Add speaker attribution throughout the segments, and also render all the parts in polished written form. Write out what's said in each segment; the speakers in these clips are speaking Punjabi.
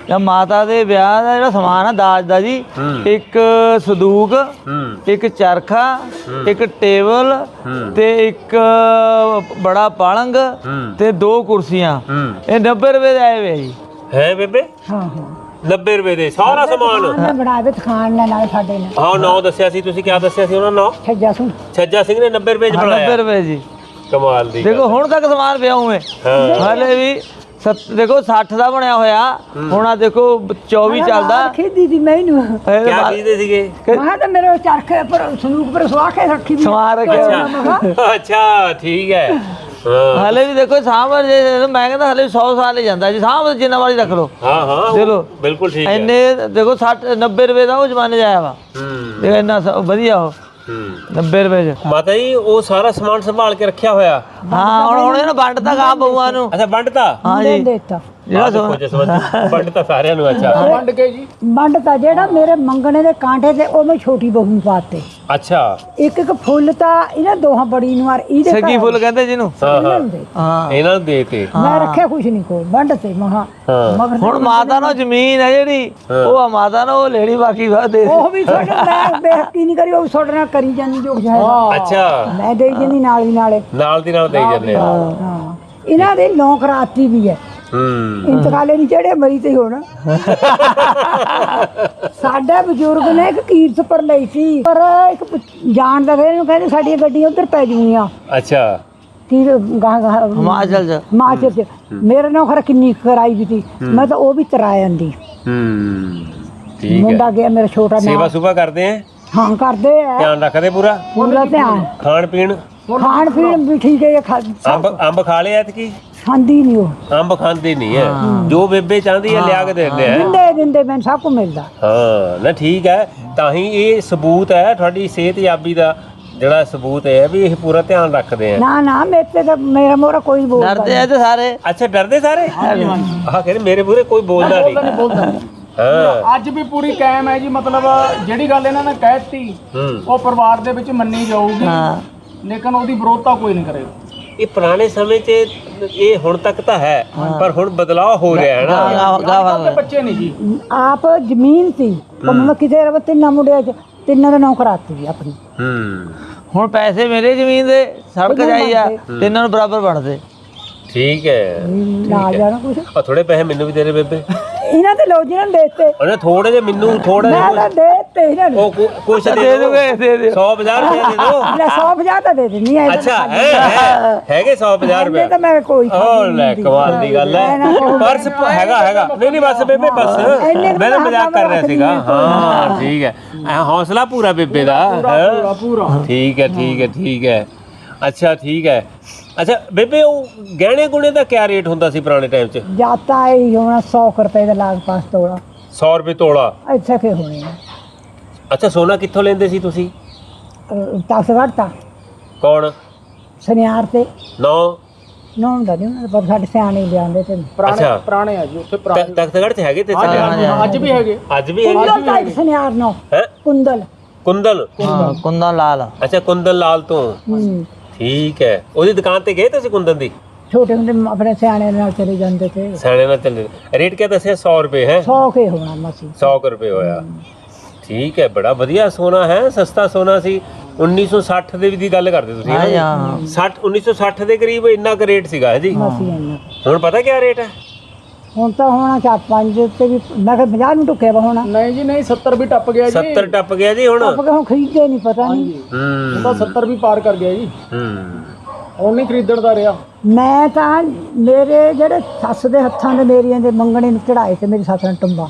Speaker 1: ਮਾਤਾ ਦੇ ਵਿਆਹ ਦਾ ਜਿਹੜਾ ਸਮਾਨ ਆ ਦਾਜ ਦਾ ਜੀ, ਇੱਕ ਸੰਦੂਕ, ਇੱਕ ਚਰਖਾ, ਇੱਕ ਟੇਬਲ ਤੇ ਇੱਕ ਬੜਾ ਪਾਲੰਗ ਤੇ 2 ਕੁਰਸੀਆਂ, ਇਹ 90 ਰੁਪਏ ਦੇ ਆਏ ਵੇ ਜੀ।
Speaker 2: ਹੈ ਬੇਬੇ?
Speaker 3: ਹਾਂ
Speaker 2: 90 ਰੁਪਏ ਦੇ ਸਾਰਾ ਸਮਾਨ
Speaker 3: ਮੈਂ ਬਣਾ ਕੇ ਖਾਣ ਨਾਲ ਸਾਡੇ ਨੇ।
Speaker 2: ਹਾਂ ਨਾਂ ਦੱਸਿਆ ਸੀ ਤੁਸੀਂ, ਕਿਆ ਦੱਸਿਆ ਸੀ ਉਹਨਾਂ ਨਾਂ? ਛੱਜਾ ਸਿੰਘ ਨੇ 90 ਰੁਪਏ ਚ ਬਣਾਇਆ।
Speaker 1: 90 ਰੁਪਏ ਜੀ।
Speaker 2: ਕਮਾਲ ਦੀ
Speaker 1: ਦੇਖੋ ਹੁਣ ਤੱਕ ਸਮਾਨ ਪਿਆ ਉਵੇਂ, ਹਾਲੇ ਵੀ ਦੇਖੋ 60 ਦਾ ਬਣਿਆ ਹੋਇਆ, ਹੁਣ ਆ ਦੇਖੋ 24 ਚੱਲਦਾ।
Speaker 3: ਖੇਦੀ ਦੀ ਮੈਨੂੰ
Speaker 2: ਕਿਆ ਖਰੀਦਦੇ ਸੀਗੇ?
Speaker 3: ਮੈਂ ਤਾਂ ਮੇਰੇ ਚਰਖੇ ਪਰ ਸੰਦੂਕ ਪਰ ਸਵਾ ਕੇ ਰੱਖੀ ਵੀ
Speaker 1: ਸਵਾ ਰੱਖਿਆ।
Speaker 2: ਅੱਛਾ ਠੀਕ ਹੈ।
Speaker 1: ਹਾਲੇ ਵੀ ਦੇਖੋ ਸਾਂਭ, ਜੇ ਮੈਂ ਕਹਿੰਦਾ ਹਲੇ 100 ਸਾਲ ਹੀ ਜਾਂਦਾ ਜੀ, ਸਾਂਭ ਜਿੰਨਾ ਵਾਲੀ ਰੱਖ ਲਓ।
Speaker 2: ਹਾਂ ਹਾਂ
Speaker 1: ਚਲੋ
Speaker 2: ਬਿਲਕੁਲ ਠੀਕ ਹੈ।
Speaker 1: ਇੰਨੇ ਦੇਖੋ 60 90 ਰੁਪਏ ਦਾ ਉਹ ਜ਼ਮਾਨੇ 'ਚ ਆਇਆ ਵਾ। ਦੇਖੋ ਇੰਨਾ ਵਧੀਆ ਉਹ 90 ਰੁਪਏ 'ਚ।
Speaker 2: ਮਾਤਾ ਜੀ ਉਹ ਸਾਰਾ ਸਮਾਨ ਸੰਭਾਲ ਕੇ ਰੱਖਿਆ ਹੋਇਆ?
Speaker 1: ਹਾਂ ਹੁਣ ਇਹਨੂੰ ਵੰਡਤਾ ਗਾ ਬਹੂਆਂ ਨੂੰ।
Speaker 2: ਅੱਛਾ ਵੰਡਤਾ?
Speaker 1: ਹਾਂ ਜੀ
Speaker 3: ਦੇਤਾ
Speaker 1: ਜਿਹੜਾ
Speaker 2: ਵੰਡਤਾ ਸਾਰਿਆਂ ਨੂੰ। ਅੱਛਾ
Speaker 3: ਵੰਡ ਕੇ ਜੀ ਵੰਡਤਾ। ਜਿਹੜਾ ਮੇਰੇ ਮੰਗਣੇ ਦੇ ਕਾਂਟੇ ਤੇ ਉਹ ਮੈਂ ਛੋਟੀ ਬਹੂ ਨੂੰ ਪਾਤੇ।
Speaker 2: ਅੱਛਾ
Speaker 3: ਇੱਕ ਇੱਕ ਫੁੱਲ ਤਾਂ ਇਹਨਾਂ ਦੋਹਾਂ ਬੜੀ ਨੂੰ ਆਰ ਇਹਦੇ
Speaker 1: ਸੱਗੀ ਫੁੱਲ ਕਹਿੰਦੇ ਜਿਹਨੂੰ।
Speaker 2: ਹਾਂ
Speaker 1: ਹਾਂ
Speaker 2: ਇਹਨਾਂ ਨੂੰ ਦੇਤੇ।
Speaker 3: ਮੈਂ ਰੱਖਿਆ ਕੁਛ ਨਹੀਂ ਕੋ ਵੰਡ ਤੇ ਮਹਾ ਮਗਰ
Speaker 1: ਹੁਣ ਮਾਤਾ ਨੂੰ ਜ਼ਮੀਨ ਹੈ ਜਿਹੜੀ ਉਹ ਆ ਮਾਤਾ ਨੂੰ ਉਹ ਲੈਣੀ, ਬਾਕੀ ਵਾ ਦੇ
Speaker 3: ਉਹ ਵੀ ਤੁਹਾਡੇ ਮੈਂ ਬੇਇੱਜ਼ਤੀ ਨਹੀਂ ਕਰੀ, ਉਹ ਤੁਹਾਡੇ ਨਾਲ ਕਰੀ ਜਾਂਦੀ ਜੋ ਹੈ।
Speaker 2: ਅੱਛਾ
Speaker 3: ਮੈਂ ਦੇਈ ਜਾਂਦੀ ਨਾਲ ਦੀ ਨਾਲੇ
Speaker 2: ਨਾਲ ਦੀ ਨਾਲ ਦੇਈ ਜਾਂਦੇ ਆ।
Speaker 3: ਹਾਂ ਇਹਨਾਂ ਦੇ ਨੌਕ ਰਾਤੀ ਵੀ ਹੈ। ਇੰਤਕਾਲੇ ਨਹੀਂ ਚੜੇ ਮਰੀ ਤੇ ਹੁਣ ਸਾਡੇ ਬਜ਼ੁਰਗ ਨੇ ਇੱਕ ਕੀਰਤ ਪਰ ਲਈ ਸੀ, ਪਰ ਇੱਕ ਜਾਣਦਾ ਫਿਰ ਇਹਨੂੰ ਕਹਿੰਦੇ ਸਾਡੀਆਂ ਗੱਡੀਆਂ ਉੱਧਰ ਪੈ ਜੂਗੀਆਂ।
Speaker 2: ਅੱਛਾ
Speaker 3: ਕੀ ਗਾਹ
Speaker 1: ਹਿਮਾਚਲ 'ਚ।
Speaker 3: ਹਿਮਾਚਲ 'ਚ ਮੇਰੇ ਨਾਲ ਖਰਾ ਕਿੰਨੀ ਕਰਾਈ ਵੀ ਸੀ, ਮੈਂ ਤਾਂ ਉਹ ਵੀ ਤਰਾ ਜਾਂਦੀ।
Speaker 2: ਠੀਕ ਹੈ।
Speaker 3: ਮੁੰਡਾ ਗਿਆ ਮੇਰਾ ਛੋਟਾ ਨਾਲ।
Speaker 2: ਸੇਵਾ ਸੁਭਾ ਕਰਦੇ ਆ?
Speaker 3: ਹਾਂ ਕਰਦੇ ਆ,
Speaker 2: ਧਿਆਨ ਰੱਖਦੇ ਪੂਰਾ?
Speaker 3: ਪੂਰਾ ਧਿਆਨ।
Speaker 2: ਖਾਣ ਪੀਣ
Speaker 3: ਵੀ ਠੀਕ ਹੈ।
Speaker 2: ਅੰਬ ਖਾ ਲਿਆ ਐਤਕੀ?
Speaker 3: ਖਾਂਦੀ ਨਹੀਂ ਉਹ,
Speaker 2: ਅੰਬ ਖਾਂਦੀ ਨਹੀਂ ਹੈ। ਜੋ ਬੇਬੇ ਚਾਹੁੰਦੀ ਹੈ ਲਿਆ ਕੇ ਦਿੰਦੇ ਆ।
Speaker 3: ਦਿੰਦੇ ਮੈਨੂੰ ਸਭ ਕੁ ਮਿਲਦਾ।
Speaker 2: ਹਾਂ ਨਾ ਠੀਕ ਹੈ, ਤਾਂ ਹੀ ਇਹ ਸਬੂਤ ਹੈ ਤੁਹਾਡੀ ਸਿਹਤਯਾਬੀ ਦਾ, ਜਿਹੜਾ ਸਬੂਤ ਹੈ ਵੀ ਇਹ ਪੂਰਾ ਧਿਆਨ ਰੱਖਦੇ ਆ।
Speaker 3: ਨਾ ਨਾ ਮੇਰੇ ਤੇ ਤਾਂ ਮੇਰਾ ਮੋਰਾ ਕੋਈ ਬੋਲਦਾ
Speaker 1: ਡਰਦੇ ਆ ਤੇ ਸਾਰੇ।
Speaker 2: ਅੱਛਾ ਡਰਦੇ ਸਾਰੇ? ਆਹ ਕਹਿੰਦੇ ਮੇਰੇ ਮੂਹਰੇ ਕੋਈ ਬੋਲਦਾ ਨਹੀਂ। ਹਾਂ
Speaker 4: ਅੱਜ ਵੀ ਪੂਰੀ ਕਾਇਮ ਹੈ ਜੀ। ਮਤਲਬ ਜਿਹੜੀ ਗੱਲ ਇਹਨਾਂ ਨੇ ਕਹਿਤੀ ਉਹ ਪਰਿਵਾਰ ਦੇ ਵਿੱਚ ਮੰਨੀ ਜਾਊਗੀ, ਲੇਕਿਨ ਉਹਦੀ ਵਿਰੋਧਤਾ ਕੋਈ ਨਹੀਂ ਕਰੇਗਾ।
Speaker 2: ਇਹ ਪੁਰਾਣੇ ਸਮੇਂ 'ਚ ਇਹ ਹੁਣ ਤੱਕ ਤਾਂ ਹੈ, ਪਰ ਹੁਣ ਬਦਲਾਅ ਹੋ ਰਿਹਾ ਹੈ ਨਾ।
Speaker 4: ਬੱਚੇ ਨਹੀਂ ਜੀ
Speaker 3: ਆਪ ਜ਼ਮੀਨ ਸੀ ਮੈਂ ਕਿਤੇ ਰਵ ਤਿੰਨਾਂ ਮੁੰਡਿਆਂ 'ਚ ਤਿੰਨਾਂ ਦਾ ਨਾਂ ਕਰਾਤੀ ਸੀ ਆਪਣੀ।
Speaker 1: ਹੁਣ ਪੈਸੇ ਮੇਰੇ ਜ਼ਮੀਨ ਦੇ ਸੜਕ ਜਾਈ ਆ ਤੇ ਇਹਨਾਂ ਨੂੰ ਬਰਾਬਰ ਬਣਦੇ।
Speaker 2: ਠੀਕ ਹੈ।
Speaker 3: ਨਾ ਜਾਣਾ ਕੁਛ
Speaker 2: ਆ ਥੋੜੇ ਪੈਸੇ ਮੈਨੂੰ ਵੀ ਦੇ ਦੇ ਬੇਬੇ।
Speaker 3: ਇਹਨਾਂ ਤੇ ਲੋ ਜਿਹਨਾਂ ਨੇ ਦੇਤੇ
Speaker 2: ਉਹਨੇ ਥੋੜੇ ਜਿਹੇ ਮੈਨੂੰ ਥੋੜਾ
Speaker 3: ਮੈਂ
Speaker 2: ਜਿਹਾ
Speaker 3: ਤਾਂ ਦੇਤੇ ਇਹਨਾਂ ਨੂੰ।
Speaker 2: ਉਹ ਕੁਛ ਦੇ
Speaker 1: ਦੇ ਦੋਗੇ ਦੇ ਦਿਓ।
Speaker 2: 100-50 ਰੁਪਏ ਦੇ ਦੋ।
Speaker 3: ਲੈ 150 ਤਾਂ ਦੇ ਦਿੰਨੀ ਆ।
Speaker 2: ਅੱਛਾ ਹੈਗੇ 100-50 ਰੁਪਏ
Speaker 3: ਤਾਂ ਮੈਂ ਕੋਈ
Speaker 2: ਉਹ ਲੈ ਕਮਾਲ ਦੀ ਗੱਲ ਹੈ। ਪਰਸ ਹੈਗਾ ਨਹੀਂ ਬਸ ਬੇਬੇ ਬਸ ਮੈਂ ਤਾਂ ਮਜ਼ਾਕ ਕਰ ਰਿਹਾ ਸੀਗਾ। ਹਾਂ ਠੀਕ ਹੈ, ਹੌਸਲਾ ਪੂਰਾ ਬੇਬੇ ਦਾ।
Speaker 4: ਪੂਰਾ
Speaker 2: ਠੀਕ ਹੈ। ਅੱਛਾ ਠੀਕ ਹੈ। ਅੱਛਾ ਬੇਬੇ ਉਹ ਗਹਿਣੇ ਗੁਣੇ ਦਾ ਕਿਆ ਰੇਟ ਹੁੰਦਾ ਸੀ ਪੁਰਾਣੇ ਟਾਈਮ 'ਚ?
Speaker 3: ਜਾਤਾ ਹੀ ਹੋਣਾ 100 ਰੁਪਏ ਦਾ ਲਾਗ ਪਾਸ ਤੋੜਾ।
Speaker 2: 100 ਰੁਪਏ ਤੋਲਾ?
Speaker 3: ਇੱਥੇ ਕੇ ਹੋਣੇ
Speaker 2: ਅੱਛਾ ਸੋਨਾ ਕਿੱਥੋਂ ਲੈਂਦੇ ਸੀ ਤੁਸੀਂ?
Speaker 3: ਤਸ ਘੜਤਾ
Speaker 2: ਕੌਣ?
Speaker 3: ਸੁਨਿਆਰ ਤੇ
Speaker 2: ਨੌ
Speaker 3: ਦਾ ਨਹੀਂ ਉਹਨਾਂ ਪਰ ਸਾਡੇ ਸਿਆਣੇ ਲਿਆਂਦੇ ਤੇ
Speaker 4: ਪੁਰਾਣੇ ਆ ਜੀ ਉੱਥੇ ਪੁਰਾਣੇ।
Speaker 2: ਤਖਤਗੜ੍ਹ 'ਚ ਹੈਗੇ ਤੇ
Speaker 4: ਅੱਜ ਵੀ ਹੈਗੇ।
Speaker 3: ਕੁੰਦਲ ਦਾ ਇੱਕ ਸੁਨਿਆਰ ਨੋ
Speaker 2: ਹੈ?
Speaker 3: ਕੁੰਦਲ
Speaker 1: ਕੁੰਦਨ ਲਾਲ।
Speaker 2: ਅੱਛਾ ਕੁੰਦਨ ਲਾਲ ਤੋਂ। ਠੀਕ ਹੈ, ਉਹਦੀ ਦੁਕਾਨ ਤੇ ਗਏ ਤੁਸੀਂ ਕੁੰਦਨ ਦੀ?
Speaker 3: ਛੋਟੇ ਹੁੰਦੇ ਆਪਣੇ ਸਿਆਣੇ ਨਾਲ ਚਲੇ ਜਾਂਦੇ ਤੇ।
Speaker 2: ਸਿਆਣੇ ਨਾਲ ਚੱਲੇ। ਰੇਟ ਕਿਆ ਦੱਸਿਆ? 100 ਰੁਪਏ ਹੈ?
Speaker 3: 100 ਕੇ ਹੋਣਾ ਮਸੀ।
Speaker 2: 100 ਰੁਪਏ ਹੋਇਆ। ਠੀਕ ਹੈ, ਬੜਾ ਵਧੀਆ ਸੋਨਾ ਹੈ, ਸਸਤਾ ਸੋਨਾ ਸੀ। 1960 ਦੇ ਦੀ ਗੱਲ ਕਰਦੇ ਤੁਸੀਂ? 1960 ਦੇ ਕਰੀਬ ਇੰਨਾ ਕੁ ਰੇਟ ਸੀਗਾ ਜੀ। ਹੁਣ ਪਤਾ ਕਿਆ ਰੇਟ ਹੈ?
Speaker 3: ਹੁਣ ਤਾਂ ਹੋਣਾ 4-5 ਤੇ ਵੀ ਮੈਂ ਕਿਹਾ 50 ਨੂੰ ਟੁੱਕਿਆ ਵਾ ਹੋਣਾ।
Speaker 4: ਨਹੀਂ ਜੀ ਨਹੀਂ 70 ਵੀ ਟੱਪ ਗਿਆ ਜੀ।
Speaker 2: 70 ਟੱਪ ਗਿਆ ਜੀ ਹੁਣ?
Speaker 3: ਟੱਪ ਕੇ ਹੁਣ ਖਰੀਦਦੇ ਨਹੀਂ ਪਤਾ ਨਹੀਂ।
Speaker 4: ਹੁਣ ਤਾਂ 70 ਵੀ ਪਾਰ ਕਰ ਗਿਆ ਜੀ। ਹੁਣ ਨਹੀਂ ਖਰੀਦਣ ਦਾ ਰਿਹਾ।
Speaker 3: ਮੈਂ ਤਾਂ ਮੇਰੇ ਜਿਹੜੇ ਸੱਸ ਦੇ ਹੱਥਾਂ ਦੇ ਮੇਰੀਆਂ ਦੇ ਮੰਗਣੇ ਨੂੰ ਚੜਾਏ ਤੇ ਮੇਰੀ ਸੱਸ ਨੇ ਟੰਬਾ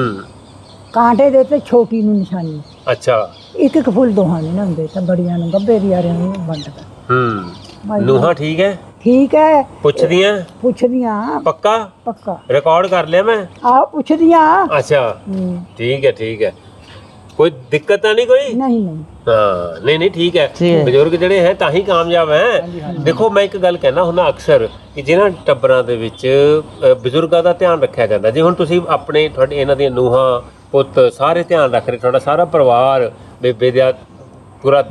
Speaker 3: ਕਾਂਟੇ ਦੇ ਤੇ ਛੋਟੀ ਨੂੰ ਨਿਸ਼ਾਨੀ।
Speaker 2: ਅੱਛਾ
Speaker 3: ਇੱਕ ਇੱਕ ਫੁੱਲ ਦੋਹਾਂ ਨੇ ਹੁੰਦੇ ਤਾਂ ਬੜੀਆਂ ਨੂੰ ਗੱਬੇ ਦੀ ਆ ਰਹੀਆਂ ਵੰਡਦਾ।
Speaker 2: ਨੂੰਹਾਂ ਠੀਕ ਹੈ?
Speaker 3: ਠੀਕ ਹੈ।
Speaker 2: ਪੁੱਛਦੀਆਂ? ਪੱਕਾ ਰਿਕਾਰਡ ਕਰ ਲਿਆ ਮੈਂ।
Speaker 3: ਆਹ ਪੁੱਛਦੀਆਂ।
Speaker 2: ਅੱਛਾ ਠੀਕ ਹੈ। ਕੋਈ ਦਿੱਕਤ ਤਾਂ ਨਹੀਂ ਕੋਈ?
Speaker 3: ਨਹੀਂ
Speaker 2: ਹਾਂ ਨਹੀਂ ਠੀਕ ਹੈ। ਬਜ਼ੁਰਗ ਜਿਹੜੇ ਹੈ ਤਾਂ ਹੀ ਕਾਮਯਾਬ ਹੈ। ਦੇਖੋ ਮੈਂ ਇੱਕ ਗੱਲ ਕਹਿਣਾ ਹੁੰਦਾ ਅਕਸਰ ਕਿ ਜਿਹਨਾਂ ਟੱਬਰਾਂ ਦੇ ਵਿੱਚ ਬਜ਼ੁਰਗਾਂ ਦਾ ਧਿਆਨ ਰੱਖਿਆ ਜਾਂਦਾ, ਜੇ ਹੁਣ ਤੁਸੀਂ ਆਪਣੇ ਤੁਹਾਡੇ ਇਹਨਾਂ ਦੀਆਂ ਨੂੰਹਾਂ ਪੁੱਤ ਸਾਰੇ ਧਿਆਨ ਰੱਖ ਰਹੇ, ਤੁਹਾਡਾ ਸਾਰਾ ਪਰਿਵਾਰ ਬੇਬੇ ਦਾ ਪੂਰਾ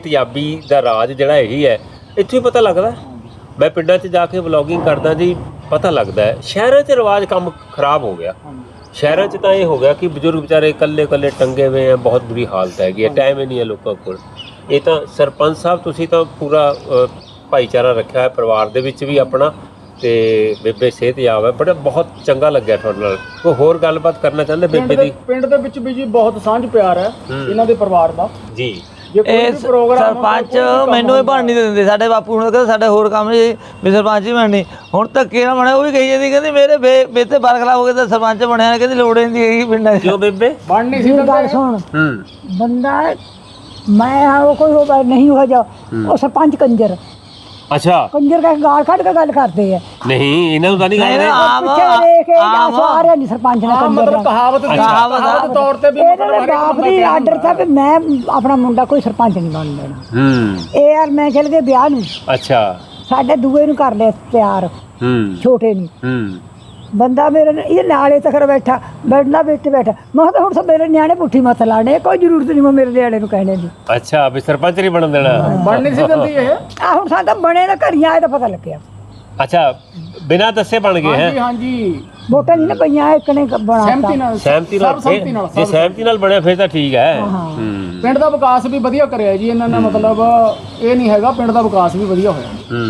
Speaker 2: ਸਿਹਤਯਾਬੀ ਦਾ ਰਾਜ ਜਿਹੜਾ ਇਹੀ ਹੈ, ਇੱਥੋਂ ਹੀ ਪਤਾ ਲੱਗਦਾ। ਮੈਂ ਪਿੰਡਾਂ 'ਚ ਜਾ ਕੇ ਵਲੌਗਿੰਗ ਕਰਦਾ ਜੀ, ਪਤਾ ਲੱਗਦਾ ਹੈ ਸ਼ਹਿਰਾਂ 'ਚ ਰਿਵਾਜ ਕੰਮ ਖਰਾਬ ਹੋ ਗਿਆ। ਸ਼ਹਿਰਾਂ 'ਚ ਤਾਂ ਇਹ ਹੋ ਗਿਆ ਕਿ ਬਜ਼ੁਰਗ ਵਿਚਾਰੇ ਇਕੱਲੇ ਇਕੱਲੇ ਟੰਗੇ ਹੋਏ ਆ, ਬਹੁਤ ਬੁਰੀ ਹਾਲਤ ਹੈਗੀ ਹੈ, ਟਾਈਮ ਹੀ ਨਹੀਂ ਹੈ ਲੋਕਾਂ ਕੋਲ। ਇਹ ਤਾਂ ਸਰਪੰਚ ਸਾਹਿਬ ਤੁਸੀਂ ਤਾਂ ਪੂਰਾ ਭਾਈਚਾਰਾ ਰੱਖਿਆ ਹੋਇਆ ਪਰਿਵਾਰ ਦੇ ਵਿੱਚ ਵੀ ਆਪਣਾ, ਤੇ ਬੇਬੇ ਸਿਹਤਯਾਬ ਹੈ, ਬੜਾ ਬਹੁਤ ਚੰਗਾ ਲੱਗਿਆ ਤੁਹਾਡੇ ਨਾਲ। ਕੋਈ ਹੋਰ ਗੱਲਬਾਤ ਕਰਨਾ ਚਾਹੁੰਦੇ ਬੇਬੇ ਦੀ?
Speaker 4: ਪਿੰਡ ਦੇ ਵਿੱਚ ਵੀ ਜੀ ਬਹੁਤ ਸਾਂਝ ਪਿਆਰ ਹੈ ਇਹਨਾਂ ਦੇ ਪਰਿਵਾਰ ਦਾ
Speaker 2: ਜੀ।
Speaker 4: ਜੇ ਕੋਈ
Speaker 1: ਇਹ
Speaker 4: ਵੀ ਪ੍ਰੋਗਰਾਮ
Speaker 1: ਸਰਪੰਚ ਮੈਨੂੰ ਇਹ ਬਣ ਨਹੀਂ ਦਿੰਦੇ, ਸਾਡੇ ਬਾਪੂ ਹੁਣ ਕਹਿੰਦੇ ਸਾਡੇ ਹੋਰ ਕੰਮ ਜੀ ਵੀ ਸਰਪੰਚ ਹੀ ਬਣਨੀ। ਹੁਣ ਧੱਕੇ ਨਾਲ ਬਣਿਆ, ਉਹ ਵੀ ਕਹੀ ਜਾਂਦੀ ਕਹਿੰਦੀ ਮੇਰੇ ਬੇਤੇ ਬਰਖਲਾਫ ਹੋ ਗਏ ਤਾਂ ਸਰਪੰਚ ਬਣਿਆ, ਕਹਿੰਦੀ ਲੋੜ ਹੀ ਨਹੀਂ ਹੈਗੀ ਪਿੰਡਾਂ 'ਚ।
Speaker 2: ਕਿਉਂ ਬੇਬੇ?
Speaker 4: ਬਣ ਨਹੀਂ ਸੀ
Speaker 3: ਮੇਰੀ ਗੱਲ ਸੁਣ, ਬੰਦਾ ਮੈਂ ਉਹ ਕੋਈ ਉਹ ਨਹੀਂ ਹੋ ਜਾ, ਉਹ ਸਰਪੰਚ ਕੰਜਰ
Speaker 2: ਅੱਛਾ,
Speaker 3: ਕੰਜਰ ਕਾ ਗਾਲ ਕੱਢ ਕੇ ਗੱਲ ਕਰਦੇ ਆ।
Speaker 2: ਨਹੀਂ ਇਹਨਾਂ ਨੂੰ ਤਾਂ ਨਹੀਂ
Speaker 1: ਨਹੀਂ,
Speaker 2: ਕਹਿੰਦੇ।
Speaker 1: ਆਮ
Speaker 3: ਪਿੱਛੇ ਦੇਖ ਕੇ ਜਾਂ ਸਾਰਿਆਂ ਨਹੀਂ ਸਰਪੰਚ ਨੇ ਕੰਜਰ
Speaker 4: ਮਤਲਬ
Speaker 3: ਦਾ
Speaker 4: ਕਹਾਵਤ ਤੌਰ ਤੇ ਵੀ
Speaker 3: ਇਹਦੇ ਬਾਪ ਦੀ ਆਰਡਰ था ਵੀ ਮੈਂ ਆਪਣਾ ਮੁੰਡਾ ਕੋਈ ਸਰਪੰਚ ਨਹੀਂ ਬਣ ਦੇਣਾ। ਇਹ ਯਾਰ ਮੈਂ ਚਲ ਗਏ ਵਿਆਹ ਨੂੰ,
Speaker 2: ਅੱਛਾ।
Speaker 3: ਸਾਡੇ ਦੂਏ ਨੂੰ ਕਰ ਲਿਆ ਤਿਆਰ, ਛੋਟੇ ਨੂੰ। ਬੰਦਾ ਮੇਰੇ ਇਹ ਨਾਲੇ ਤੱਕ ਬੈਠਾ ਬੈਠਣਾ ਵਿੱਚ ਬੈਠਾ। ਮੈਂ ਕਿਹਾ ਹੁਣ ਸਭ ਮੇਰੇ ਨਿਆਣੇ ਪੁੱਠੀ ਮੱਤ ਲਾਣੇ, ਕੋਈ ਜ਼ਰੂਰਤ ਨਹੀਂ ਮੈਂ ਮੇਰੇ ਨਿਆਣੇ ਨੂੰ ਕਹਿਣੇ ਦੀ।
Speaker 2: ਅੱਛਾ, ਵੀ ਸਰਪੰਚ ਨਹੀਂ ਬਣਨ ਦੇਣਾ।
Speaker 4: ਬਣ ਨਹੀਂ ਸੀ ਦਿੰਦੀ ਇਹ।
Speaker 3: ਆ ਹੁਣ ਸਾਡਾ ਬਣੇ ਨਾ ਘਰੀਆਂ ਆਏ ਤਾਂ ਪਤਾ ਲੱਗਿਆ।
Speaker 2: ਅੱਛਾ, ਬਿਨਾਂ ਦੱਸੇ ਬਣ ਗਏ ਹੈ।
Speaker 4: ਹਾਂਜੀ ਹਾਂਜੀ,
Speaker 3: ਵੋਟਾਂ ਨਹੀਂ ਨਾ ਪਈਆਂ, ਇੱਕ ਨੇ ਬਣਾਤਾ।
Speaker 4: ਸਹਿਮਤੀ ਨਾਲ
Speaker 2: ਸਹਿਮਤੀ ਨਾਲ।
Speaker 4: ਸਹਿਮਤੀ ਨਾਲ
Speaker 2: ਜੇ ਸਹਿਮਤੀ ਨਾਲ ਬਣਿਆ ਫਿਰ ਤਾਂ ਠੀਕ ਹੈ।
Speaker 4: ਪਿੰਡ ਦਾ ਵਿਕਾਸ ਵੀ ਵਧੀਆ ਕਰਿਆ ਜੀ ਇਹਨਾਂ ਨੇ, ਮਤਲਬ ਇਹ ਨਹੀਂ ਹੈਗਾ, ਪਿੰਡ ਦਾ ਵਿਕਾਸ ਵੀ ਵਧੀਆ ਹੋਇਆ।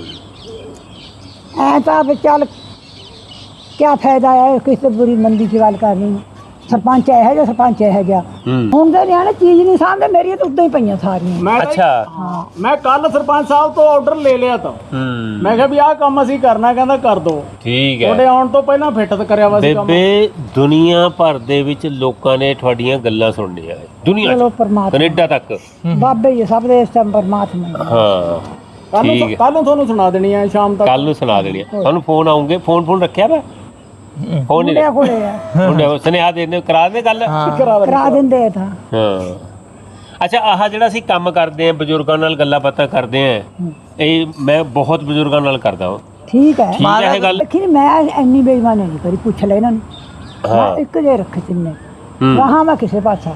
Speaker 3: ਐ ਤਾਂ ਵੀ ਚੱਲ ਕਿਆ ਫਾਇਦਾ ਹੈ ਕਿਸੇ ਬੁਰੀ ਮੰਦੀ ਦੀ ਗੱਲ ਕਰਨੀ। ਸਰਪੰਚ ਇਹੋ ਜਿਹਾ, ਸਰਪੰਚ ਇਹੋ ਜਿਹਾ। ਹੁਣ ਦੇ ਨਿਆਣੇ ਚੀਜ਼ ਨਹੀਂ ਸਾਂਭਦੇ, ਮੇਰੀਆਂ ਤਾਂ ਉੱਦਾਂ ਹੀ ਪਈਆਂ ਸਾਰੀਆਂ।
Speaker 4: ਮੈਂ
Speaker 2: ਅੱਛਾ।
Speaker 4: ਮੈਂ ਕੱਲ ਸਰਪੰਚ ਸਾਹਿਬ ਤੋਂ ਆਰਡਰ ਲੈ ਲਿਆ ਤਾਂ ਮੈਂ ਕਿਹਾ ਵੀ ਆਹ ਕੰਮ ਅਸੀਂ ਕਰਨਾ, ਕਹਿੰਦਾ ਕਰ ਦੋ।
Speaker 2: ਠੀਕ ਹੈ।
Speaker 4: ਤੁਹਾਡੇ ਆਉਣ ਤੋਂ ਪਹਿਲਾਂ ਫਿੱਟ ਕਰਿਆ ਵਾ ਸੀ ਕੰਮ।
Speaker 2: ਬੇਬੇ, ਦੁਨੀਆ ਭਰ ਦੇ ਵਿੱਚ ਲੋਕਾਂ ਨੇ ਤੁਹਾਡੀਆਂ ਗੱਲਾਂ ਸੁਣਨੀਆਂ, ਦੁਨੀਆ
Speaker 3: ਚਲੋ
Speaker 2: 'ਚ,
Speaker 3: ਪਰਮਾਤਮਾ
Speaker 2: ਕੈਨੇਡਾ ਤੱਕ।
Speaker 3: ਬਾਬੇ ਹੀ ਸਭ ਦੇ ਇਸ ਟਾਈਮ ਪਰਮਾਤਮਾ ਹੀ।
Speaker 2: ਹਾਂ, ਠੀਕ ਹੈ।
Speaker 4: ਕੱਲ ਨੂੰ ਤੁਹਾਨੂੰ ਸੁਣਾ ਦੇਣੀ ਆ ਸ਼ਾਮ ਤੱਕ।
Speaker 2: ਕੱਲ ਨੂੰ ਸੁਣਾ ਦੇਣੀ ਆ ਤੁਹਾਨੂੰ। ਫੋਨ ਆਉਂਗੇ, ਫੋਨ ਰੱਖਿਆ ਵਾ? ਫੋਨ ਨਹੀਂ
Speaker 3: ਮੁੰਡਿਆਂ ਕੋਲੇ ਆ,
Speaker 2: ਮੁੰਡੇ ਸੁਨੇਹਾ ਦੇ ਕਰਾ ਦੇ ਗੱਲ।
Speaker 3: ਕਰਾ ਦਿੰਦੇ ਆ ਤਾਂ।
Speaker 2: ਹਾਂ। ਅੱਛਾ, ਆਹ ਜਿਹੜਾ ਅਸੀਂ ਕੰਮ ਕਰਦੇ ਆ, ਬਜ਼ੁਰਗਾਂ ਨਾਲ ਗੱਲਾਂ ਬਾਤਾਂ ਕਰਦੇ ਆ, ਇਹ ਮੈਂ ਬਹੁਤ ਬਜ਼ੁਰਗਾਂ ਨਾਲ ਕਰਦਾ ਹਾਂ।
Speaker 3: ਠੀਕ ਹੈ।
Speaker 2: ਠੀਕ ਹੈ ਇਹ ਗੱਲ।
Speaker 3: ਦੇਖੀ ਮੈਂ ਇੰਨੀ ਬੇਈਮਾਨੀ ਨਹੀਂ ਕਰੀ, ਪੁੱਛ ਲੈ ਇਹਨਾਂ ਨੂੰ।
Speaker 2: ਹਾਂ।
Speaker 3: ਮੈਂ ਇੱਕ ਜੇ ਰੱਖੇ ਤਿੰਨੇ ਰਹਾ ਮੈਂ ਕਿਸੇ ਪਾਸਾ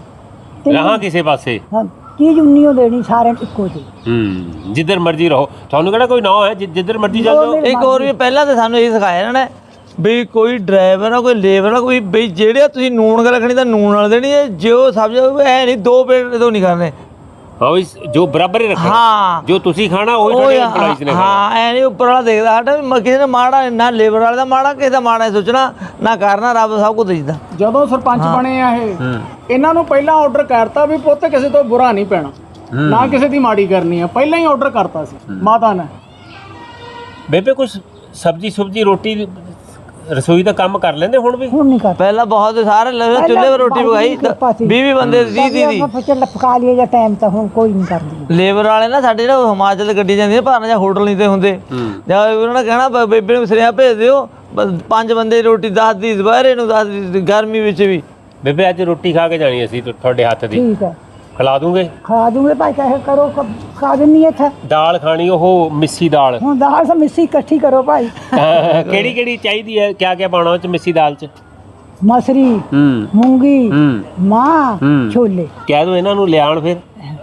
Speaker 2: ਰਹਾਂ ਕਿਸੇ ਪਾਸੇ।
Speaker 3: ਹਾਂ, ਚੀਜ਼ ਉਨੀਓ ਦੇਣੀ ਸਾਰਿਆਂ ਨੂੰ ਇੱਕੋ ਜਿਹੀ।
Speaker 2: ਜਿੱਧਰ ਮਰਜ਼ੀ ਰਹੋ, ਤੁਹਾਨੂੰ ਕਿਹੜਾ ਕੋਈ ਨਾ ਹੈ, ਜਿੱਧਰ ਮਰਜ਼ੀ ਚੱਲ ਜਾਓ।
Speaker 1: ਇੱਕ ਹੋਰ ਵੀ ਪਹਿਲਾਂ ਤਾਂ ਸਾਨੂੰ ਇਹ ਸਿਖਾਇਆ ਇਹਨਾਂ ਨੇ ਵੀ ਕੋਈ ਡਰਾਈਵਰ ਆ, ਕੋਈ ਲੇਬਰ ਆ, ਕੋਈ ਬਈ ਜਿਹੜੇ ਤੁਸੀਂ ਨੂਣ ਗੱਲ ਰੱਖਣੀ ਤਾਂ ਨੂਣ ਨਾਲ ਦੇਣੀ ਹੈ, ਜੋ ਸਬਜ਼ੀ ਐ ਨਹੀਂ ਦੋ ਪਲੇਟ ਤੋਂ ਨਹੀਂ ਕਰਨੇ।
Speaker 2: ਹਾਂ ਵੀ ਜੋ ਬਰਾਬਰ ਹੀ ਰੱਖਣਾ।
Speaker 1: ਹਾਂ,
Speaker 2: ਜੋ ਤੁਸੀਂ ਖਾਣਾ ਉਹ ਤੁਹਾਡੇ EMPLOYEES ਨੇ ਖਾਣਾ।
Speaker 1: ਹਾਂ, ਐ ਨਹੀਂ ਉੱਪਰ ਵਾਲਾ ਦੇਖਦਾ ਸਾਡਾ ਵੀ ਕਿਸੇ ਨੇ ਮਾੜਾ, ਨਾ ਲੇਬਰ ਵਾਲੇ ਦਾ ਮਾੜਾ, ਕਿਸੇ ਦਾ ਮਾੜਾ ਸੋਚਣਾ ਨਾ ਕਰਨਾ, ਰੱਬ ਸਭ ਕੁਝ ਦਿੰਦਾ।
Speaker 4: ਜਦੋਂ ਸਰਪੰਚ ਬਣੇ ਆ ਇਹ, ਇਹਨਾਂ ਨੂੰ ਪਹਿਲਾਂ ਆਰਡਰ ਕਰਤਾ ਵੀ ਪੁੱਤ ਕਿਸੇ ਤੋਂ ਬੁਰਾ ਨਹੀਂ ਪੈਣਾ, ਨਾ ਕਿਸੇ ਦੀ ਮਾੜੀ ਕਰਨੀ ਆ, ਪਹਿਲਾਂ ਹੀ ਆਰਡਰ ਕਰਤਾ ਸੀ ਮਾਤਾ ਨੇ।
Speaker 2: ਬੇਬੇ ਕੁਝ ਸਬਜ਼ੀ ਰੋਟੀ ਰਸੋਈ ਦਾ ਕੰਮ ਕਰ ਲੈਂਦੇ ਹੁਣ ਵੀ?
Speaker 3: ਹੁਣ ਨਹੀਂ ਕਰ
Speaker 1: ਪਹਿਲਾਂ ਬਹੁਤ ਸਾਰੇ ਚੁੱਲ੍ਹੇ 'ਤੇ ਰੋਟੀ ਪਕਾਈ, 20 ਬੰਦੇ 30
Speaker 3: ਚੱਲ ਪਕਾ ਲਈਏ ਜਾਂ ਟਾਈਮ ਤਾਂ ਹੁਣ ਕੋਈ ਨਹੀਂ ਕਰਦੀ।
Speaker 1: ਲੇਬਰ ਵਾਲੇ ਨਾ ਸਾਡੇ ਜਿਹੜਾ ਹਿਮਾਚਲ ਗੱਡੀ ਜਾਂਦੀ ਹੈ ਭਾਰਨਾ, ਜਾਂ ਹੋਟਲ ਨਹੀਂ ਤੇ ਹੁੰਦੇ, ਜਾਂ ਉਹਨਾਂ ਨੇ ਕਹਿਣਾ ਬੇਬੇ ਨੂੰ ਸੁਨੇਹਾ ਭੇਜ ਦਿਓ, 5 ਬੰਦੇ ਦੀ ਰੋਟੀ 10 ਦੀ ਦੁਪਹਿਰੇ ਨੂੰ, 10 ਦੀ ਗਰਮੀ ਵਿੱਚ ਵੀ।
Speaker 2: ਬੇਬੇ ਅੱਜ ਰੋਟੀ ਖਾ ਕੇ ਜਾਣੀ ਅਸੀਂ ਤੁਹਾਡੇ ਹੱਥ ਦੀ,
Speaker 3: ਠੀਕ ਹੈ,
Speaker 2: ਖਿਲਾ ਦੂੰਗੇ?
Speaker 3: ਖਾ ਦੂੰਗੇ ਭਾਈ, ਕਹੇ ਕਰੋ ਖਾ ਦਿੰਨੀ ਇੱਥੇ।
Speaker 2: ਦਾਲ ਖਾਣੀ, ਉਹ ਮਿੱਸੀ ਦਾਲ।
Speaker 3: ਹੁਣ ਦਾਲ ਸਭ ਮਿੱਸੀ ਇਕੱਠੀ ਕਰੋ ਭਾਈ।
Speaker 2: ਕਿਹੜੀ ਚਾਹੀਦੀ ਹੈ? ਕਿਆ ਪਾਉਣਾ ਉਹ ਚ ਮਿੱਸੀ ਦਾਲ ਚ?
Speaker 3: ਮਸਰੀ, ਮੂੰਗੀ, ਮਾਂ, ਛੋਲੇ।
Speaker 2: ਕਹਿ ਦੋ ਇਹਨਾਂ ਨੂੰ ਲਿਆਉਣ, ਫਿਰ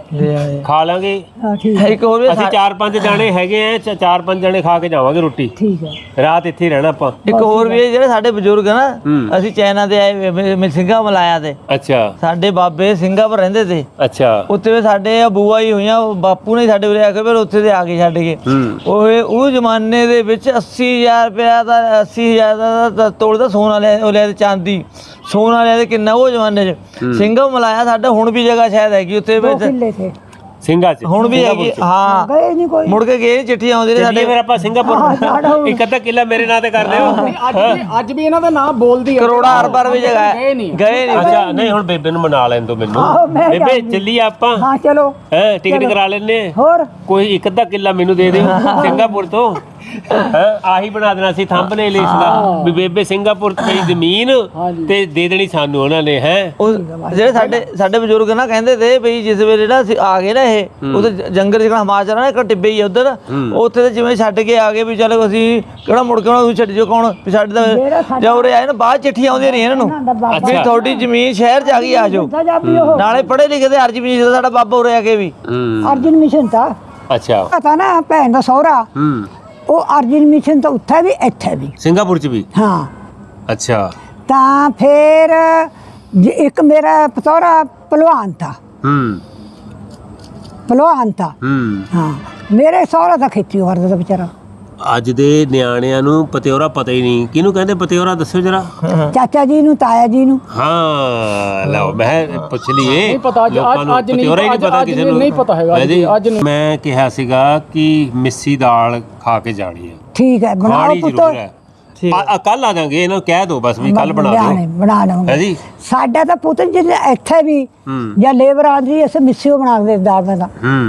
Speaker 2: ਖਾ ਲਾਂਗੇ।
Speaker 3: ਹਾਂ ਠੀਕ ਹੈ,
Speaker 1: ਇੱਕ ਹੋਰ ਵੀ
Speaker 2: ਅਸੀਂ 4-5 ਜਾਣੇ ਹੈਗੇ ਆ, 4-5 ਜਾਣੇ ਖਾ ਕੇ ਜਾਵਾਂਗੇ ਰੋਟੀ।
Speaker 3: ਠੀਕ ਹੈ।
Speaker 2: ਰਾਤ ਇੱਥੇ ਹੀ ਰਹਿਣਾ ਆਪਾਂ।
Speaker 1: ਇੱਕ ਹੋਰ ਵੀ ਜਿਹੜੇ ਸਾਡੇ ਬਜ਼ੁਰਗ ਆ ਨਾ, ਅਸੀਂ ਚਾਈਨਾ ਦੇ ਆਏ, ਸਿੰਘਾਂ ਮਲਾਇਆ ਤੇ
Speaker 2: ਅੱਛਾ।
Speaker 1: ਸਾਡੇ ਬਾਬੇ ਸਿੰਗਾਪੁਰ ਰਹਿੰਦੇ ਤੇ।
Speaker 2: ਅੱਛਾ।
Speaker 1: ਉੱਥੇ ਵੀ ਸਾਡੇ ਬੂਆ ਹੀ ਹੋਈਆਂ, ਬਾਪੂ ਨੇ ਸਾਡੇ ਉਰੇ ਆ ਕੇ ਫਿਰ ਉੱਥੇ ਦੇ ਆ ਕੇ ਛੱਡ ਗਏ। ਉਹ ਜ਼ਮਾਨੇ ਦੇ ਵਿੱਚ 80,000 ਰੁਪਇਆ ਦਾ, 80,000 ਦਾ ਤੋਲ ਦਾ ਸੋਨਾ ਲਿਆ ਤੇ ਚਾਂਦੀ ਸੋਨਾ ਲਿਆ ਤੇ ਕਿੰਨਾ ਉਹ ਜ਼ਮਾਨੇ 'ਚ। ਸਿੰਘਾਂ ਮਲਾਇਆ ਸਾਡਾ ਹੁਣ ਵੀ ਜਗ੍ਹਾ ਸ਼ਾਇਦ ਹੈਗੀ ਉੱਥੇ ਵਿੱਚ,
Speaker 3: ਕਿੱਲੇ ਥੇ
Speaker 2: ਸਿੰਘਾਂ ਚ
Speaker 1: ਹੁਣ ਵੀ ਹੈਗੀ। ਹਾਂ,
Speaker 3: ਗਏ ਨਹੀਂ ਕੋਈ।
Speaker 1: ਮੁੜ ਕੇ ਗਏ, ਚਿੱਠੀਆਂ ਆਉਂਦੀਆਂ ਨੇ
Speaker 2: ਸਾਡੇ।
Speaker 1: ਸਾਡੇ।
Speaker 2: ਫਿਰ ਆਪਾਂ ਸਿੰਗਾਪੁਰ ਇੱਕ ਅੱਧਾ ਕਿੱਲਾ ਮੇਰੇ ਨਾਂ ਤੇ ਕਰ ਲਿਓ।
Speaker 4: ਅੱਜ ਵੀ ਇਹਨਾਂ ਦਾ ਨਾਮ ਬੋਲਦੀ ਆ।
Speaker 1: ਕਰੋੜਾ ਅਰਬਾਂ ਵੀ ਜਗ੍ਹਾ ਹੈ,
Speaker 4: ਗਏ ਨਹੀਂ।
Speaker 2: ਅੱਛਾ, ਨਹੀਂ ਹੁਣ ਬੇਬੇ ਨੂੰ ਮਨਾ ਲੈਣ ਦੋ ਮੈਨੂੰ। ਬੇਬੇ ਚੱਲੀਏ ਆਪਾਂ।
Speaker 3: ਹਾਂ ਚਲੋ।
Speaker 2: ਹੈ ਟਿਕਟ ਕਰਾ ਲੈਣੇ।
Speaker 3: ਹੋਰ
Speaker 2: ਕੋਈ ਇੱਕ ਅੱਧਾ ਕਿੱਲਾ ਮੈਨੂੰ ਦੇ ਦਿਓ ਸਿੰਗਾਪੁਰ ਤੋਂ। ਆਹੀ ਬਣਾ ਦੇਣਾ ਸੀ ਥੰਬਨੇਲ ਇਸ ਦਾ, ਵੀ ਬੇਬੇ ਸਿੰਗਾਪੁਰ ਤੇ ਜ਼ਮੀਨ ਤੇ ਦੇ ਦੇਣੀ ਸਾਨੂੰ ਉਹਨਾਂ ਨੇ। ਹੈ
Speaker 1: ਜਿਹੜੇ ਸਾਡੇ ਬਜ਼ੁਰਗ ਨਾ ਕਹਿੰਦੇ ਤੇ ਵੀ ਜਿਸ ਵੇਲੇ ਜਿਹੜਾ ਅਸੀਂ ਆ ਗਏ ਨਾ, ਇਹ ਉਧਰ ਜੰਗਲ ਜਿਹੜਾ ਹਿਮਾਚਲ ਆ ਨਾ, ਇੱਕ ਟਿੱਬੇ ਹੀ ਉਧਰ, ਉੱਥੇ ਤੇ ਜਿਵੇਂ ਛੱਡ ਕੇ ਆ ਗਏ ਵੀ ਚਲੋ ਅਸੀਂ ਕਿਹੜਾ ਮੁੜ ਕੇ ਉਹਨਾਂ ਛੱਡ ਜੋ ਕੌਣ ਵੀ ਸਾਡੇ ਦਾ ਜਾਂ ਉਰੇ ਆਏ ਨਾ, ਬਾਅਦ ਚਿੱਠੀਆਂ ਆਉਂਦੀਆਂ ਰਹੀਆਂ ਇਹਨਾਂ ਨੂੰ ਵੀ ਤੁਹਾਡੀ ਜ਼ਮੀਨ ਸ਼ਹਿਰ 'ਚ ਆ ਗਈ, ਆ ਜਾਓ। ਨਾਲੇ ਪੜ੍ਹੇ ਲਿਖੇ ਤੇ ਅਰਜੀ ਵੀ ਸਾਡਾ ਬਾਬਾ ਉਰੇ ਆ ਕੇ ਵੀ
Speaker 3: ਅਰਜਨ ਮਿਸ਼ਨ ਤਾਂ
Speaker 2: ਅੱਛਾ
Speaker 3: ਪਤਾ ਨਾ ਭੈਣ ਦਾ ਸਹੁਰਾ, ਉਹ ਅਰਜਨ ਮਿਸ਼ਨ ਤਾਂ ਉੱਥੇ ਵੀ ਇੱਥੇ ਵੀ
Speaker 2: ਸਿੰਗਾਪੁਰ ਚ ਵੀ?
Speaker 3: ਹਾਂ।
Speaker 2: ਅੱਛਾ।
Speaker 3: ਤਾਂ ਫਿਰ ਇੱਕ ਮੇਰਾ ਪਤੋਰਾ ਪਹਿਲਵਾਨ ਥਾ। ਪਹਿਲਵਾਨ ਥਾ। ਹਾਂ, ਮੇਰੇ ਸਹੁਰਾ ਤਾਂ ਖੇਤੀ ਕਰਦਾ ਤਾ ਵਿਚਾਰਾ।
Speaker 2: ਅੱਜ ਦੇ ਨਿਆਣਿਆਂ ਨੂੰ ਪਤਿਓਰਾ ਪਤਾ ਹੀ ਨਹੀਂ। ਕਿਹਨੂੰ ਕਹਿੰਦੇ ਪਤਿਓਰਾ, ਦੱਸੋ ਜਰਾ।
Speaker 3: ਚਾਚਾ ਜੀ ਨੂੰ, ਤਾਇਆ ਜੀ ਨੂੰ।
Speaker 2: ਹਾਂ, ਲਓ ਮੈਂ ਪੁੱਛ ਲਈਏ।
Speaker 4: ਨਹੀਂ ਪਤਾ ਅੱਜ
Speaker 2: ਲੋਕਾਂ ਨੂੰ
Speaker 4: ਅੱਜ ਨਹੀਂ
Speaker 2: ਪਤਿਓਰਾ ਹੀ ਨਹੀਂ ਪਤਾ ਕਿਸੇ ਨੂੰ।
Speaker 4: ਨਹੀਂ ਪਤਾ ਹੈਗਾ ਅੱਜ ਨਹੀਂ।
Speaker 2: ਮੈਂ ਕਿਹਾ ਸੀਗਾ ਕਿ ਮਿੱਸੀ ਦਾਲ ਖਾ ਕੇ ਜਾਣੀ ਹੈ।
Speaker 3: ਠੀਕ ਹੈ, ਬਣਾਓ
Speaker 2: ਖਾਣੀ
Speaker 3: ਪੁੱਤ।
Speaker 2: ਜ਼ਰੂਰ ਹੈ। ਕੱਲ ਆ ਜਾਾਂਗੇ, ਇਹਨਾਂ ਨੂੰ ਕਹਿ ਦਿਓ ਬਸ ਵੀ ਕੱਲ ਬਣਾ ਦਿਓ।
Speaker 3: ਬਣਾ ਲਵਾਂਗੇ।
Speaker 2: ਹੈ ਜੀ।
Speaker 3: ਸਾਡਾ ਤਾਂ ਪੁੱਤ ਜਿੱਥੇ ਇੱਥੇ ਵੀ ਜਾਂ ਲੇਬਰ ਆਂਦੀ ਅਸੀਂ ਮਿੱਸੀਓ ਬਣਾ ਕੇ ਦਾਲ ਮੈਂ ਤਾਂ।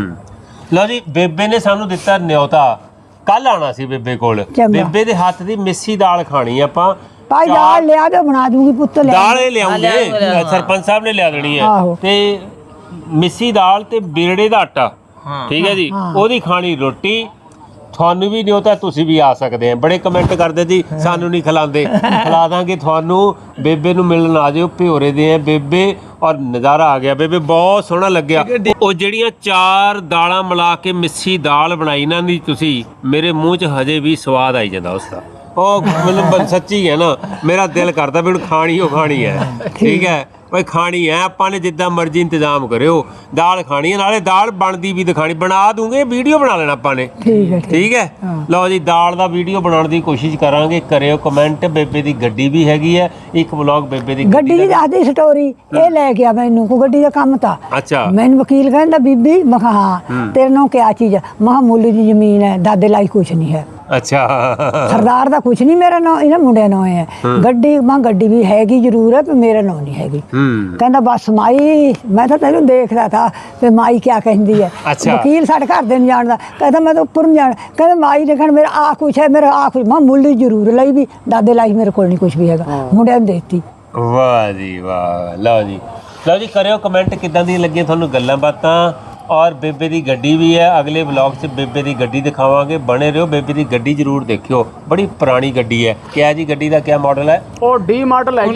Speaker 2: ਲਓ ਜੀ, ਬੇਬੇ ਨੇ ਸਾਨੂੰ ਦਿੱਤਾ ਨਿਉਤਾ। ਕੱਲ ਆਣਾ ਸੀ ਬੇਬੇ ਕੋਲ। ਬੇਬੇ ਦੇ ਹੱਥ ਦੀ ਮਿੱਸੀ ਦਾਲ ਖਾਣੀ ਆਪਾਂ।
Speaker 3: ਭਾਈ ਦਾਲ ਲਿਆ ਦੇ, ਬਣਾ ਦੂੰਗੀ ਪੁੱਤ।
Speaker 2: ਦਾਲ ਇਹ ਲਿਆਉਂਗੇ, ਸਰਪੰਚ ਸਾਹਿਬ ਨੇ ਲਿਆ ਦੇਣੀ ਹੈ। ਤੇ ਮਿੱਸੀ ਦਾਲ ਤੇ ਬਿਰੜੇ ਦਾ ਆਟਾ, ਠੀਕ ਹੈ ਜੀ, ਉਹਦੀ ਖਾਣੀ ਰੋਟੀ। ਤੁਹਾਨੂੰ ਵੀ ਨਿਉਤਾ, ਤੁਸੀਂ ਵੀ ਆ ਸਕਦੇ ਆ। ਬੜੇ ਕਮੈਂਟ ਕਰਦੇ ਜੀ ਸਾਨੂੰ ਨਹੀਂ ਖਿਲਾਉਂਦੇ। ਖਿਲਾ ਦਾਂਗੇ ਤੁਹਾਨੂੰ। ਬੇਬੇ ਨੂੰ ਮਿਲਣ ਆ ਜਿਓ, ਭਿਓਰੇ ਦੇ ਆ ਬੇਬੇ। ਔਰ ਨਜ਼ਾਰਾ ਆ ਗਿਆ ਬੇਬੇ, ਬਹੁਤ ਸੋਹਣਾ ਲੱਗਿਆ। ਉਹ ਜਿਹੜੀਆਂ 4 ਦਾਲਾਂ ਮਿਲਾ ਕੇ ਮਿੱਸੀ ਦਾਲ ਬਣਾਈ ਨਾ ਦੀ ਤੁਸੀਂ, ਮੇਰੇ ਮੂੰਹ 'ਚ ਹਜੇ ਵੀ ਸਵਾਦ ਆਈ ਜਾਂਦਾ ਉਸਦਾ। ਉਹ ਮੈਨੂੰ ਸੱਚੀ ਹੈ ਨਾ, ਮੇਰਾ ਦਿਲ ਕਰਦਾ ਵੀ ਹੁਣ ਖਾਣੀ ਉਹ ਖਾਣੀ ਹੈ। ਠੀਕ ਹੈ ਭਾਈ, ਖਾਣੀ ਹੈ ਆਪਾਂ ਨੇ, ਜਿੱਦਾਂ ਮਰਜ਼ੀ ਇੰਤਜ਼ਾਮ ਕਰਿਓ। ਦਾਲ ਖਾਣੀ ਹੈ, ਨਾਲੇ ਦਾਲ ਬਣਦੀ ਵੀ ਦਿਖਾਣੀ। ਬਣਾ ਦੂੰਗੇ, ਵੀਡੀਓ ਬਣਾ ਲੈਣਾ ਆਪਾਂ ਨੇ। ਠੀਕ ਹੈ। ਲਓ ਜੀ, ਦਾਲ ਦਾ ਵੀਡੀਓ ਬਣਾਉਣ ਦੀ ਕੋਸ਼ਿਸ਼ ਕਰਾਂਗੇ। ਕਰਿਓ ਕਮੈਂਟ। ਬੇਬੇ ਦੀ ਗੱਡੀ ਵੀ ਹੈਗੀ ਹੈ, ਇੱਕ ਵਲੌਗ ਬੇਬੇ ਦੀ
Speaker 3: ਗੱਡੀ ਦੀ ਦੱਸਦੀ ਸਟੋਰੀ। ਇਹ ਲੈ ਗਿਆ ਮੈਨੂੰ, ਕੋਈ ਗੱਡੀ ਦਾ ਕੰਮ ਤਾਂ।
Speaker 2: ਅੱਛਾ।
Speaker 3: ਮੈਨੂੰ ਵਕੀਲ ਕਹਿੰਦਾ ਬੀਬੀ, ਮੈਂ ਕਿਹਾ ਹਾਂ। ਤੇਰੇ ਨਾਲ ਕਿਆ ਚੀਜ਼ ਹੈ? ਮੈਂ ਕਿਹਾ ਮੁੱਲ ਦੀ ਜ਼ਮੀਨ ਹੈ, ਦਾਦੇ ਲਈ ਕੁਛ ਨਹੀਂ ਹੈ।
Speaker 2: ਅੱਛਾ।
Speaker 3: ਸਰਦਾਰ ਦਾ ਕੁਛ ਨਹੀਂ, ਮੇਰਾ ਨਾਂ ਇਹਨਾਂ ਮੁੰਡਿਆਂ ਨਾਂ ਹੈ। ਗੱਡੀ, ਮੈਂ ਗੱਡੀ ਵੀ ਹੈਗੀ ਜ਼ਰੂਰ ਹੈ, ਪਰ ਮੇਰਾ ਨਾਂ ਨਹੀਂ ਹੈਗੀ। ਕਹਿੰਦਾ ਬਸ ਮਾਈ, ਮੈਂ ਤਾਂ ਤੈਨੂੰ ਦੇਖਦਾ ਥਾ ਤੇ ਮਾਈ ਕਿਆ ਕਹਿੰਦੀ ਹੈ। ਵਕੀਲ ਸਾਡੇ ਘਰ ਦੇ ਨਹੀਂ ਜਾਣਦਾ। ਕਹਿੰਦਾ ਮੈਂ ਤਾਂ ਉੱਪਰ ਨੂੰ ਜਾਣ। ਕਹਿੰਦਾ ਮਾਈ ਨੇ ਕਹਿਣਾ ਮੇਰਾ ਆ ਕੁਛ ਹੈ, ਮੇਰਾ ਆ ਕੁਛ। ਮੈਂ ਮੁੱਲ ਜ਼ਰੂਰ ਲਈ ਵੀ, ਦਾਦੇ ਲਈ ਮੇਰੇ ਕੋਲ ਨਹੀਂ ਕੁਛ ਵੀ ਹੈਗਾ। ਮੁੰਡਿਆਂ ਨੂੰ ਦੇਤੀ।
Speaker 2: ਵਾਹ ਜੀ ਵਾਹ। ਲਓ ਜੀ, ਲਓ ਜੀ, ਕਰਿਓ ਕਮੈਂਟ ਕਿੱਦਾਂ ਦੀਆਂ ਲੱਗੀਆਂ ਤੁਹਾਨੂੰ ਗੱਲਾਂ ਬਾਤਾਂ। ਔਰ ਬੇਬੇ ਦੀ ਗੱਡੀ ਵੀ ਹੈ, ਅਗਲੇ ਵਲੌਗ 'ਚ ਬੇਬੇ ਦੀ ਗੱਡੀ ਦਿਖਾਵਾਂਗੇ। ਬਣੇ ਰਹੋ, ਬੇਬੇ ਦੀ ਗੱਡੀ ਜ਼ਰੂਰ ਦੇਖਿਓ। ਬੜੀ ਪੁਰਾਣੀ ਗੱਡੀ ਹੈ। ਕਿਆ ਜੀ ਗੱਡੀ ਦਾ ਕਿਆ ਮਾਡਲ ਹੈ?
Speaker 4: ਉਹ ਡੀ ਮਾਡਲ ਹੈ ਜੀ,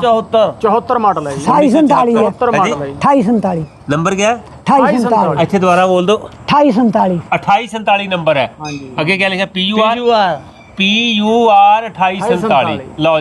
Speaker 4: 74 ਮਾਡਲ ਹੈ ਜੀ।
Speaker 3: 2847 ਹੈ।
Speaker 4: 74 ਮਾਡਲ ਹੈ ਜੀ।
Speaker 3: 2847
Speaker 2: ਨੰਬਰ ਕਿਆ ਹੈ?
Speaker 3: 2847।
Speaker 2: ਇੱਥੇ ਦੁਬਾਰਾ ਬੋਲ ਦਿਓ।
Speaker 3: 2847
Speaker 2: 2847 ਨੰਬਰ ਹੈ।
Speaker 4: ਹਾਂਜੀ।
Speaker 2: ਅੱਗੇ ਕਿਆ ਲਿਖਿਆ? PUR 2847। ਲਓ।